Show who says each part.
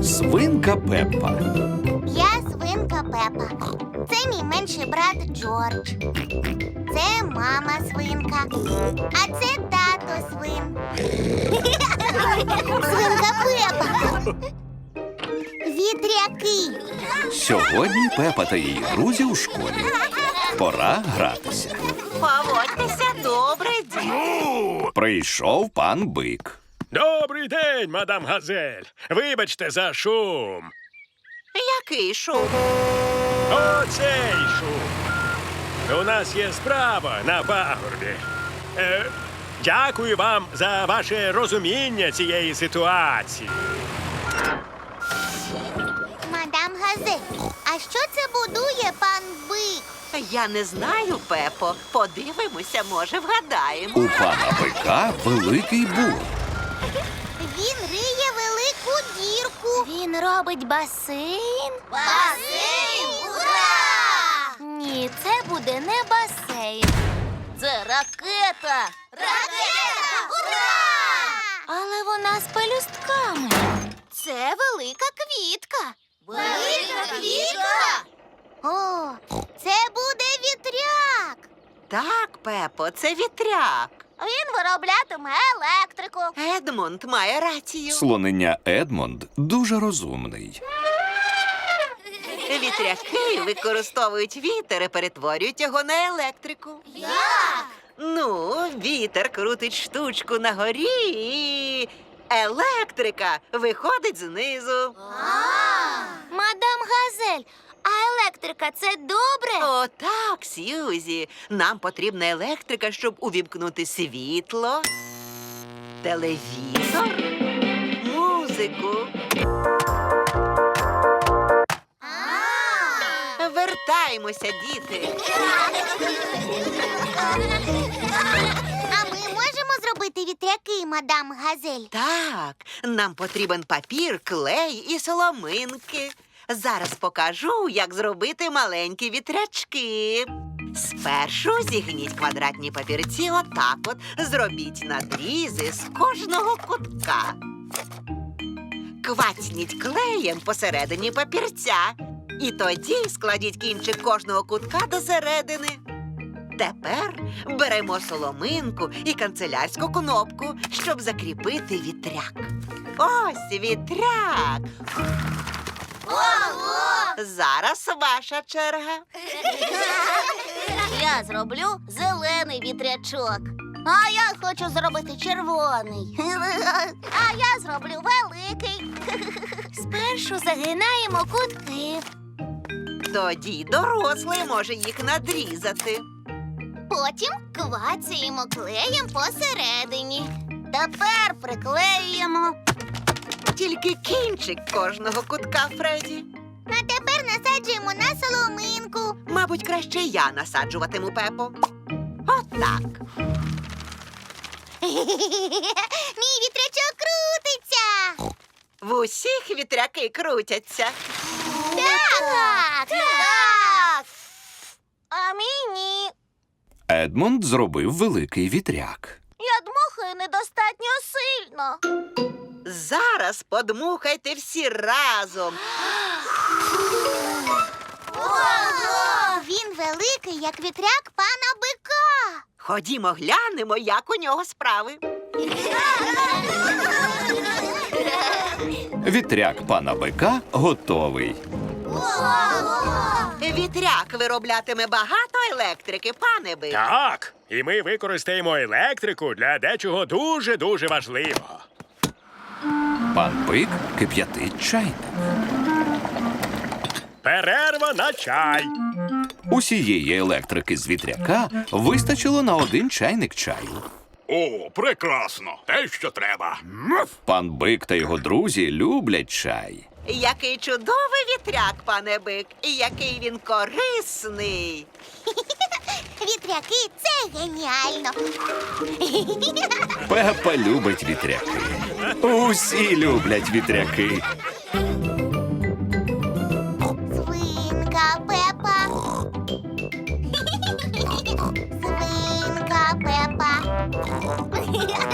Speaker 1: Свинка Пеппа.
Speaker 2: Я свинка Пеппа. Це мій менший брат Джордж. Це мама свинка. А це тато свин. Свинка Пеппа. Вітряки.
Speaker 1: Сьогодні Пеппа та її друзі у школі. Пора гратися.
Speaker 3: Поводьтеся добре, діти.
Speaker 1: Прийшов пан Бик.
Speaker 4: Добрий день, мадам Газель. Вибачте за шум.
Speaker 3: Який шум?
Speaker 4: Оцей шум. У нас є справа на пагорбі. Дякую вам за ваше розуміння цієї ситуації.
Speaker 2: Мадам Газель, а що це будує пан Бик?
Speaker 3: Я не знаю, Пепо. Подивимося, може, вгадаємо.
Speaker 1: У пана Бика великий бур.
Speaker 2: Він риє велику дірку. Він робить басейн. Басейн! Ура! Ні, це буде не басейн. Це ракета. Ракета! Ура! Але вона з пелюстками. Це велика квітка. Велика квітка? О, це буде вітряк.
Speaker 3: Так, Пепо, це вітряк.
Speaker 2: Він вироблятиме електрику.
Speaker 3: Едмонд має рацію.
Speaker 1: Слонення Едмонд дуже розумний.
Speaker 3: Вітряки використовують вітер і перетворюють його на електрику.
Speaker 2: Як?
Speaker 3: Ну, вітер крутить штучку на горі і електрика виходить знизу.
Speaker 2: Мадам Газель, а електрика – це добре?
Speaker 3: О, так, Сьюзі. Нам потрібна електрика, щоб увімкнути світло, телевізор, музику. Вертаємося, діти.
Speaker 2: А ми можемо зробити вітряки, мадам Газель?
Speaker 3: Так, нам потрібен папір, клей і соломинки. Зараз покажу, як зробити маленькі вітрячки. Спершу зігніть квадратні папірці отак от. Зробіть надрізи з кожного кутка. Квацніть клеєм посередині папірця. І тоді складіть кінчик кожного кутка до середини. Тепер беремо соломинку і канцелярську кнопку, щоб закріпити вітряк. Ось вітряк.
Speaker 2: Ого!
Speaker 3: Зараз ваша черга.
Speaker 2: Я зроблю зелений вітрячок. А я хочу зробити червоний. А я зроблю великий. Спершу загинаємо кутки.
Speaker 3: Тоді дорослий може їх надрізати.
Speaker 2: Потім квацаємо клеєм посередині. Тепер приклеюємо.
Speaker 3: Тільки кінчик кожного кутка, Фредді.
Speaker 2: А тепер насаджуємо на соломинку.
Speaker 3: Мабуть, краще я насаджуватиму, Пепо. Отак.
Speaker 2: Мій вітрячок крутиться.
Speaker 3: В усіх вітряки крутяться.
Speaker 2: Так! Так! А мій ні.
Speaker 1: Едмонд зробив великий вітряк.
Speaker 2: Я дмухаю недостатньо сильно.
Speaker 3: Зараз подмухайте всі разом.
Speaker 2: Ого! Він великий, як вітряк пана Бика.
Speaker 3: Ходімо глянемо, як у нього справи.
Speaker 1: Вітряк пана Бика готовий.
Speaker 3: Вітряк вироблятиме багато електрики, пане Бик.
Speaker 4: Так, і ми використаємо електрику для дечого дуже-дуже важливого.
Speaker 1: Пан Бик кип'ятить чайник.
Speaker 4: Перерва на чай.
Speaker 1: Усієї електрики з вітряка вистачило на 1 чайник чаю.
Speaker 5: О, прекрасно! Те, що треба.
Speaker 1: Пан Бик та його друзі люблять чай.
Speaker 3: Який чудовий вітряк, пане Бик, і який він корисний.
Speaker 2: Вітряки – це геніально.
Speaker 1: Пеппа любить вітряки. Усі люблять вітряки.
Speaker 2: Свинка Пеппа. Свинка Пеппа.